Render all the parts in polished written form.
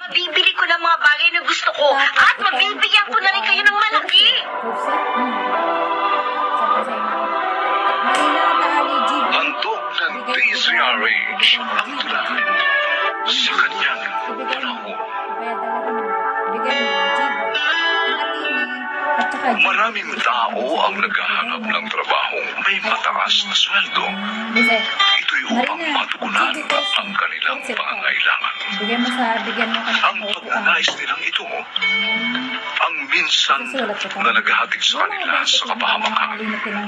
Mabibili ko ng mga bagay na gusto ko at mabibigyan ko na rin kayo ng malaki. Handog ng DZRH ang tula sa kanyang panahon. Maraming tao ang naghahanap ng trabahong may mataas na sweldo. Ito'y upang matugunan ang kanilang pangangailangan. Ang pagnanais nilang ito ang minsan na naghahatid sa kanila sa kapahamakan.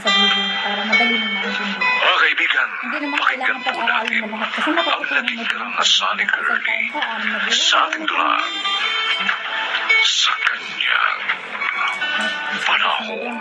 Mga kaibigan, pakinggan po natin ang naging karanasan ni Curly sa ating tula sa kanyang panahon.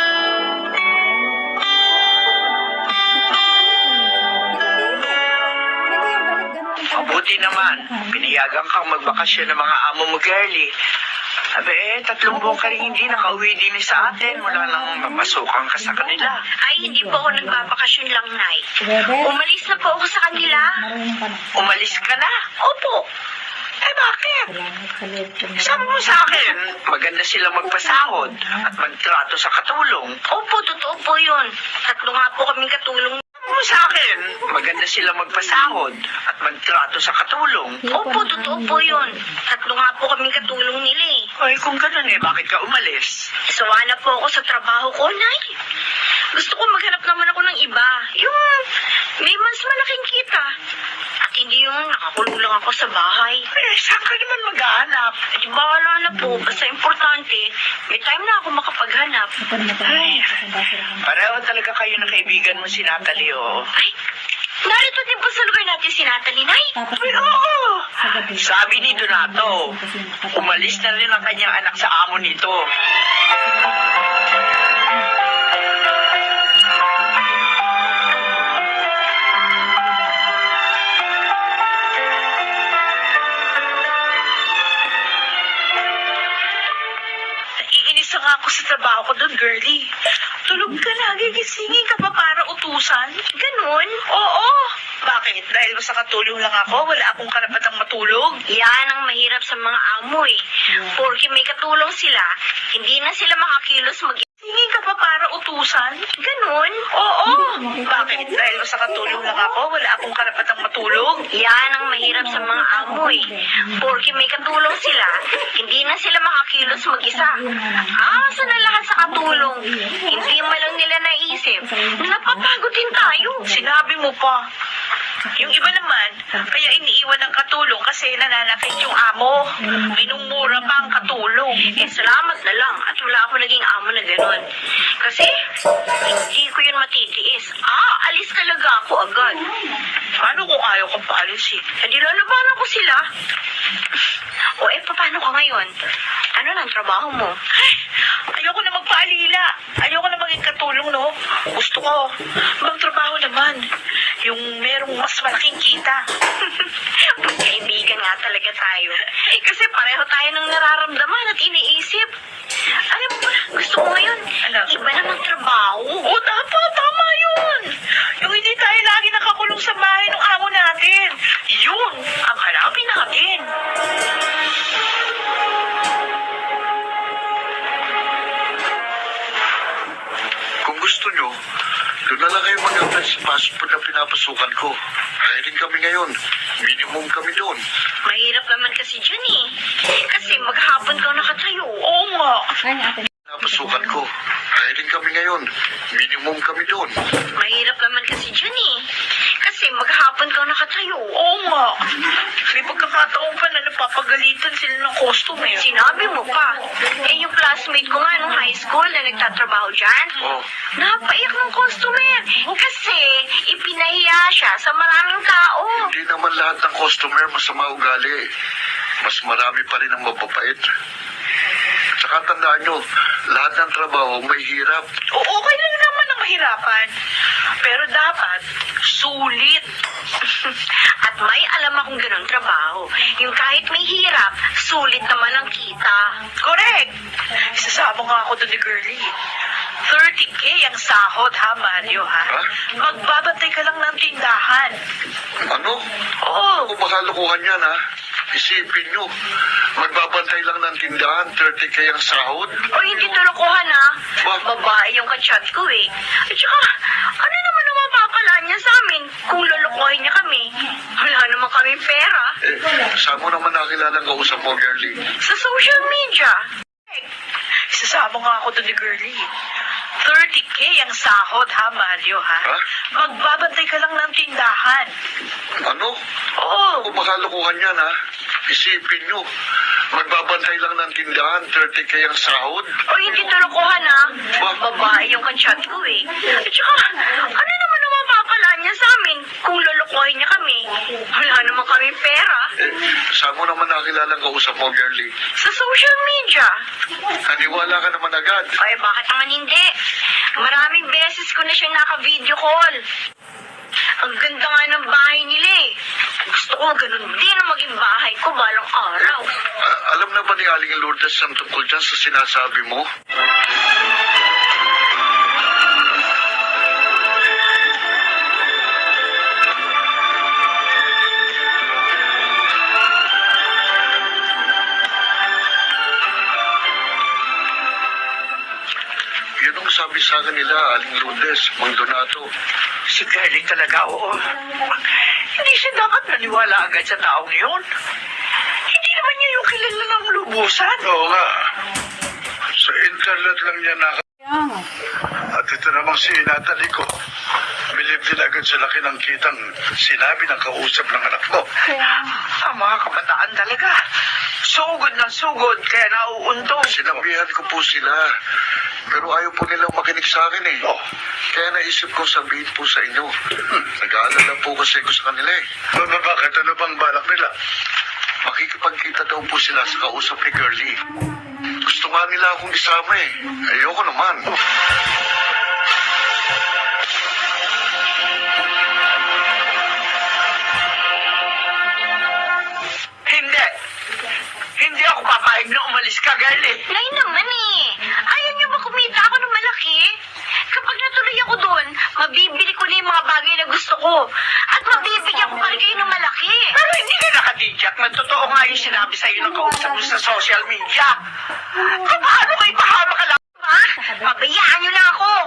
Mabuti naman, pinayagan kang magbakasyon ng mga amo mo, girlie. Abe, 3 buwan ka rin hindi nakauwi din sa atin mula nang mapasukan ka sa kanila. Ay, hindi po ako nagbabakasyon lang, Nay. Umalis na po ako sa kanila. Umalis ka na? Opo. Eh, bakit? Sabi mo sa akin, maganda sila magpasahod at magtrato sa katulong. Opo, totoo po yun. 3 nga po kaming katulong. Sabi mo sa akin, maganda sila magpasahod at magtrato sa katulong. Opo, totoo po yun. 3 nga po kaming katulong nila eh. Ay, kung ganun bakit ka umalis? Sawa na po ako sa trabaho ko, Nay. Gusto ko maghanap naman ako ng iba. Yung may mas malaking kita. At hindi yung nakakulong lang ako sa bahay. Eh, saan ka naman maghahanap? At di bahala na po. Basta importante, may time na ako makapaghanap. Ay, pareho talaga kayo ng kaibigan mo si Natalie, oh. Ay, narito din po sa lugar natin si Natalie, Nay. Ay, oo. Sabi ni Donato, umalis na rin ang kanyang anak sa amo nito. Naiinis na nga ako sa trabaho ko doon, girlie. Tulog ka na, gigisingin ka pa para utusan? Ganun? Oo. Bakit? Dahil ba sa katulong lang ako, wala akong karapatang matulog? Yan ang mahirap sa mga amo eh. Porque may katulong sila, hindi na sila makakilos Hingin ka pa para utusan? Ganun? Oo. Bakit? Dahil ba sa katulong lang ako, wala akong karapatang matulog? Yan ang mahirap sa mga amo eh. Porque may katulong sila, hindi na sila makakilos mag-isa. Asa na lahat sa katulong. Hindi man lang nila naisip. Napapagod din tayo. Sinabi mo pa. Yung iba naman, kaya iniiwan ng katulong kasi nananakit yung amo. Minumura pa ang katulong. Eh, salamat na lang at wala ako naging amo na gano'n. Kasi, hindi ko yun matitiis. Alis talaga ako agad. Paano kung ayaw kang paalisin? Eh, di lalabanan ko sila. O, paano ka ngayon? Ano nang trabaho mo? Ay, ayoko na magpaalila. Ayoko na maging katulong, no? Gusto ko, magtrabaho naman. Yung merong mas malaking kita. Magkaibigan nga talaga tayo. Kasi pareho tayo ng nararamdaman at iniisip. Alam mo ba, gusto ko ngayon, Ano? iba na magtrabaho. Oo, tama yun. Yung hindi tayo lagi nakakulong sa bahay ng amo natin. Yun ang hanapin natin. Kung gusto nyo, doon na lang kayo mag-apply sa passport na pinapasukan ko. Hiring kami ngayon. Minimum kami doon. Mahirap naman kasi dyan eh. Kasi maghapon ka nakatayo. Oo nga. Pinapasukan ko. Hiring kami ngayon. Minimum kami doon. Mahirap naman kasi dyan eh. Kasi maghapon ka nakatayo. Oo nga. May pagkakataon pa na napapagalitan sila ng customer. Sinabi mo pa. Eh, yung classmate ko nga nung high school na nagtatrabaho dyan, Oh. napaiyak ng customer. Kasi ipinahiya siya sa maraming tao. Hindi naman lahat ng customer masama ugali. Mas marami pa rin ang mababait. Tsaka tandaan nyo, lahat ng trabaho may hirap. Oo, okay lang naman ang mahirapan. Pero dapat, sulit. At may alam akong ganun trabaho. Yung kahit may hirap, sulit naman ang kita. Correct! Isasama nga ako doon ni Girlie. 30K ang sahod, ha, Mario, ha? Ha? Magbabantay ka lang ng tindahan. Ano? Oo. Ako baka lukuhan yan, ha? Isipin nyo, magbabantay lang ng tindahan, 30K ang sahod. O hindi tulukuhan ha. Babae yung kachat ko eh. At saka, ano naman ang mapapala niya sa amin kung lulukuhin niya kami? Wala naman kaming pera. Saan mo naman nakilala ang kausap mo, girlie? Sa social media. Isasama nga ako doon ni Girlie. 30K ang sahod ha, Mario ha? Ha? Magbabantay ka lang ng tindahan. Ano? Oo. Kung makalukuhan yan, ha? Isipin nyo, magbabantay lang ng tindahan, 30K ang sahod. O hindi tulukuhan ha. Babae yung kachat ko eh. At saka, ano naman ang mapapala niya sa amin kung lulukuhin niya kami? Wala naman kaming pera. Saan mo naman nakilala ang kausap mo, girlie? Sa social media. Naniwala ka naman agad. Ay, bakit naman hindi? Maraming beses ko na siyang naka-video call. Ang ganda nga ng bahay nila eh. Gusto ko ganun din ang maging bahay ko balang araw. Alam na ba ni Aling Lourdes ang tungkol dyan sa sinasabi mo? Yun ang sabi sa akin nila, Aling Lourdes, Mang Donato. Si Girlie talaga, oo. Hindi siya dapat naniwala agad sa taong yun. Hindi naman niya yung kilala ng lubusan. Oo nga. Sa internet lang niya Kaya nga. At ito namang si Natalie ko. Bilib din agad sa laki ng kitang sinabi ng kausap ng anak mo. Kaya nga. Ang mga kabataan talaga. Sugod ng sugod, kaya nauuntog. Sinabihan ko po sila. Pero ayaw po nilang makinig sa akin eh. Kaya naisip ko sabihin po sa inyo. Nag-aalala po kasi ko sa kanila eh. Bakit? Ano bang balak nila? Makikipagkita daw po sila sa kausap ni Girlie. Gusto nga nila akong isama eh. Ayoko naman. Hindi. Hindi ako papayag na umalis ka, Girlie. Nay naman eh. Ayaw niyo ba kumita ako ng malaki? Kapag natuloy ako doon, mabibili ko na yung mga bagay na gusto ko. At mabibigyan ko pa rin kayo ng malaki. Pero hindi ka nakatidyak na totoo nga yung sinabi sa'yo ng kausap mo sa social media. Paano kayo pahama ka lang? Ba? Pabayaan niyo lang ako.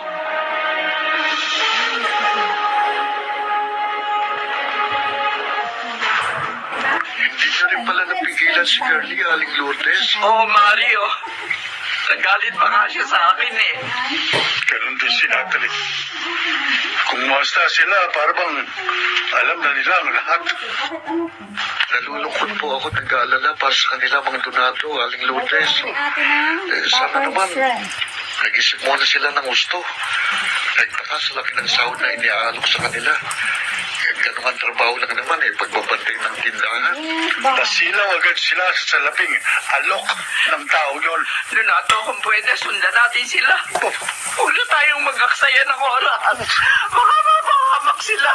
Hindi na rin pala napigilan si Girlie, Aling Lourdes. Oo, Mario. Nagalit pa nga siya sa akin eh. Ganun din si Natalie. Kung masta sila, parang alam na nila ang lahat. Nalulungkot po ako, nag-aalala para sa kanila, mga Donato, Aling Lourdes. Si ate ng Sana Dapper naman, Friend. nag-isip muna sila ng gusto. Nagtaka sa laki ng sahod na iniaalok sa kanila. Ganun ang trabaho lang naman eh, pagbabantay ng tindahan. Nasilaw agad sila sa salaping alok ng tao yun. Donato, kung pwede, sundan natin sila. Huwag na tayong mag-aksaya ng oras. Baka mapahamak sila.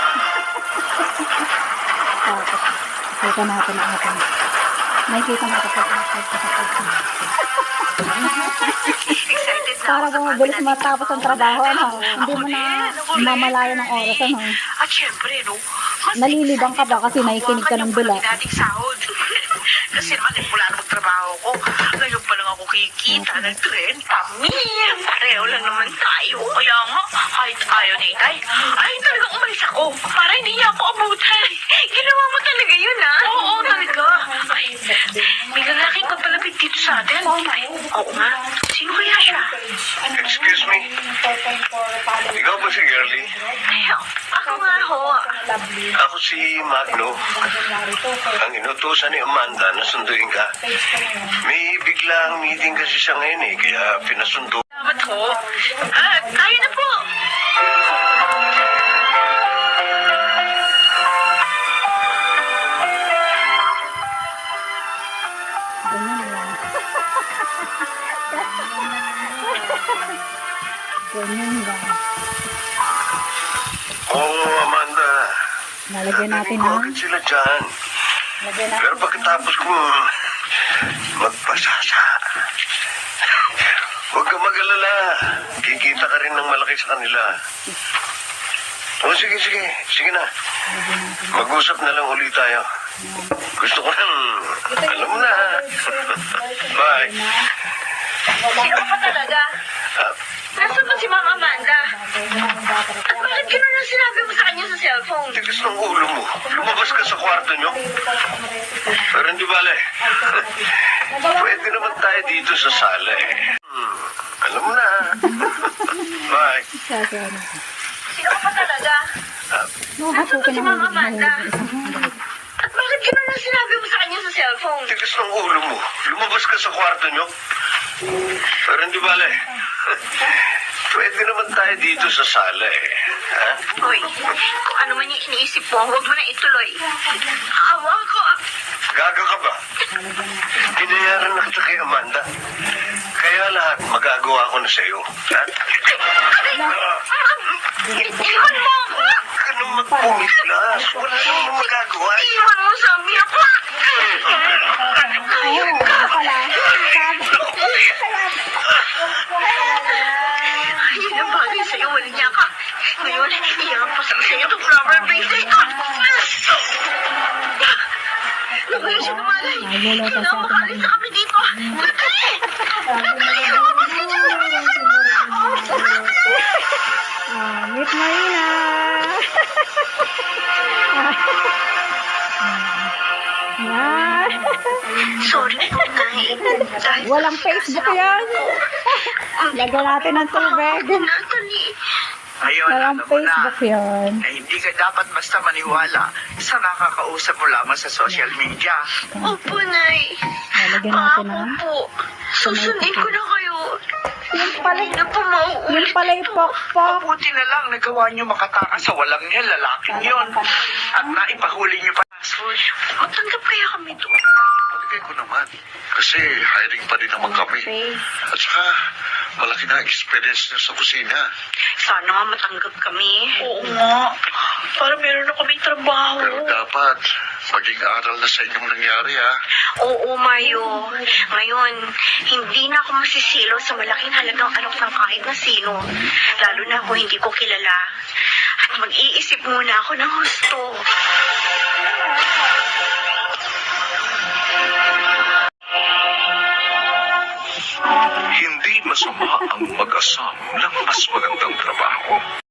Kita natin ang ating. Nakikita mo ito Excited na para ako sa bumabilis pagdating matapos ang trabaho, ano? Hindi mo na mamalayan ng oras, ano? At syempre, no, mas Nalilibang ka ba kasi nakikinig ka ng dula? nating sahod. Kasi naman, mula na magtrabaho ko, ngayon pa lang ako kikita ng 30 mil. Pareho lang naman tayo. Kaya nga, kahit ayaw ni Itay, ay talagang umalis ako para hindi niya ako abutan. Ginawa mo talaga yun, ha? Oo, talaga. Ay, may lalaking kapalapit dito sa atin. Ay, oo nga. Sino kaya siya? Excuse me, ikaw ba si Girlie? Ay, ako nga ho. Ako si Magno. Ang inutusan ni Amanda na sunduin ka. May biglang meeting kasi siya ngayon eh, kaya pinasundo. Salamat ho. Tayo na po. Ganyan lang. Ganyan lang. Oo, Amanda. Nalagyan natin Ko ng... agad sila dyan. Lagyan natin. Pero pagkatapos ko magpasasa, huwag ka mag-alala. Kikita ka rin ng malaki sa kanila. O sige, sige. Sige na. Mag-usap na lang ulit tayo. Gusto ko nang, alam mo na. Bye. Sino ka talaga? Ah, Nasaan ba si Ma'am Amanda? At bakit gano'n ang sinabi mo sa kanya sa cellphone? tigas ng ulo mo. Lumabas ka sa kwarto nyo. Pero hindi bale. Pwede naman tayo dito sa sala eh. Alam mo na. Bye. Kasi ano. Sino ka talaga? Nakahatukin Si ng Ma'am Amanda. isang At bakit gano'n ang sinabi mo sa kanya sa cellphone? Tigas ng ulo mo. Lumabas ka sa kwarto nyo. Pero hindi bale. Pwede naman tayo dito sa sala eh. Ha? Hoy, kung ano man yung iniisip mo, huwag mo na ituloy. Awa ko. Gaga ka ba? Binayaran na kita kay Amanda. Kaya lahat magagawa ko na sa'yo. Ha? Iwan mo ako! Huwag ka nang magpumislas. Wala namang magagawa. Iwan mo sabi ako! Ayun, ano pala. Yun ang bagay sa'yo, wala niya ka. Ngayon, iyan pa sa sa'yo itong flower base na ito. Nakuya siya gumalay. Kinamakalis na kami dito. Meet Marina. Yan. Sorry po, Nay. Dahil Walang Facebook yan. Lagyan natin ng tubig. Natalie. Ngayon, Walang alam mo na, Facebook yan. na hindi ka dapat basta maniwala sa nakakausap mo lamang sa social media. Opo, Nay. Lagyan natin Ako ng... po. Susundin ko na kayo. Yung pala, Hindi na po mauulit yung pala yung ito. pokpok. Mabuti na lang nagawa niyo makatakas sa walang niya lalaking yon. At naipahuli niyo pa password. Matanggap kaya kami doon. Palagay ko naman. Kasi hiring pa rin naman kami. At saka, malaki na experience niya sa kusina. Sana nga matanggap kami. Oo nga. Para meron na kami trabaho. Pero dapat, maging aral na sa inyong nangyari ha. Oo, Mayo. Ngayon, hindi na ako masisilo sa malaking halagang alok ng kahit na sino. Lalo na kung hindi ko kilala. At mag-iisip muna ako ng husto. Hindi masama ang mag-asam ng mas magandang trabaho.